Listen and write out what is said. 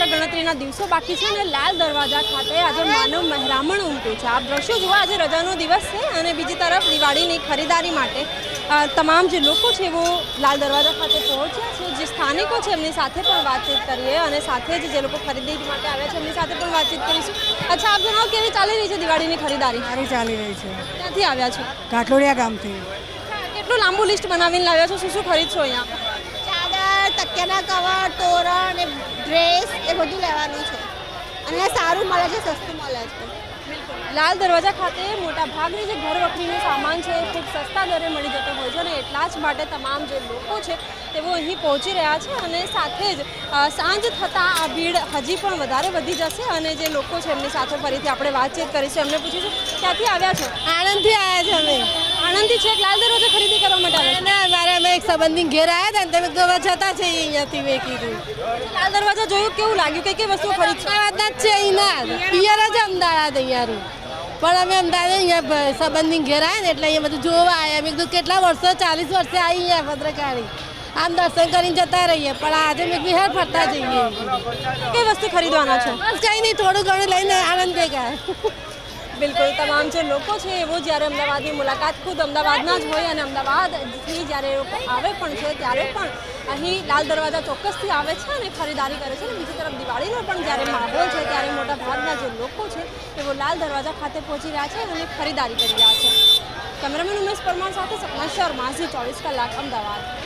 માત્ર ગણતરીના દિવસો બાકી છે અને લાલ દરવાજા ખાતે આજે માનવ મહેરામણ ઉમટ્યું છે। આપ દ્રશ્યો જુઓ, આજે રજાનો દિવસ છે અને બીજી તરફ દિવાળીની ખરીદારી માટે તમામ જે લોકો છે वो લાલ દરવાજા ખાતે પહોંચ્યા છે। જે સ્થાનિકો છે એમની સાથે પણ વાતચીત કરીએ અને સાથે જ જે લોકો ખરીદી માટે આવ્યા છે એમની સાથે પણ વાતચીત કરીશું। અચ્છા, આપ જણાવો કેવી ચાલી રહી છે દિવાળીની ખરીદારી? સારી ચાલી રહી છે। ક્યાંથી આવ્યા છો? કાટલોડિયા ગામથી। કેટલું લાંબુ લિસ્ટ બનાવીને લાવ્યા છો? શું શું ખરીદશો અહીંયા? ચાદર, તકિયાના કવર, તોરણ, ડ્રેસ એ બધું લેવાનું છે અને સારું મળે છે, સસ્તું મળે છે। લાલ દરવાજા ખાતે મોટા ભાગની જે ઘર વખરીનો સામાન છે એ ખૂબ સસ્તા દરે મળી જતો હોય છે અને એટલા જ માટે તમામ જે લોકો છે તેઓ અહીં પહોંચી રહ્યા છે અને સાથે જ સાંજ થતાં આ ભીડ હજી પણ વધારે વધી જશે અને જે લોકો છે એમની સાથે ફરીથી આપણે વાતચીત કરીશું। એમને પૂછીશું, ક્યાંથી આવ્યા છો? આણંદથી આવ્યા છે અમે। આણંદથી છેક લાલ દરવાજા ખરીદી કરવા માટે આવ્યા ના, મારે અમે એક સંબંધી ઘેર આવ્યા હતા ને તમે તો જતા છે અહીંયાથી મેં કીધું। છો? લાલ દરવાજા જોયું, કેવું લાગ્યું? કઈ કઈ વસ્તુઓ ખરીદશો? અમદાવાદના જ છે અહીંના, પિયર જ અમદાવાદ અહીંયાનું, પણ અમે અમદાવાદ અહીંયા સંબંધી ઘેર આવ્યા ને એટલે અહીંયા બધું જોવા આવ્યા। મેં કીધું કેટલા વર્ષો, 40 વર્ષે આવી અહીંયા ભદ્રકાળી, આમ દર્શન કરીને જતા રહીએ, પણ આજે મેં કીધું હેર ફરતા જઈએ। કઈ વસ્તુ ખરીદવાના છો? બસ કંઈ નહીં, થોડું ઘણું લઈને આનંદ થઈ ગયા। બિલકુલ, તમામ જે લોકો છે એવો જ્યારે અમદાવાદની મુલાકાત ખુદ અમદાવાદના જ હોય અને અમદાવાદથી જ્યારે એ લોકો આવે પણ છે ત્યારે પણ અહીં લાલ દરવાજા ચોક્કસથી આવે છે અને ખરીદારી કરે છે અને બીજી તરફ દિવાળીનો પણ જ્યારે માહોલ છે ત્યારે મોટા ભાગના જે લોકો છે તેઓ લાલ દરવાજા ખાતે પહોંચી રહ્યા છે અને ખરીદારી કરી રહ્યા છે। કેમેરામેન ઉમેશ પરમાર સાથે સપના શર્મા, ઝી 24 કલાક, અમદાવાદ।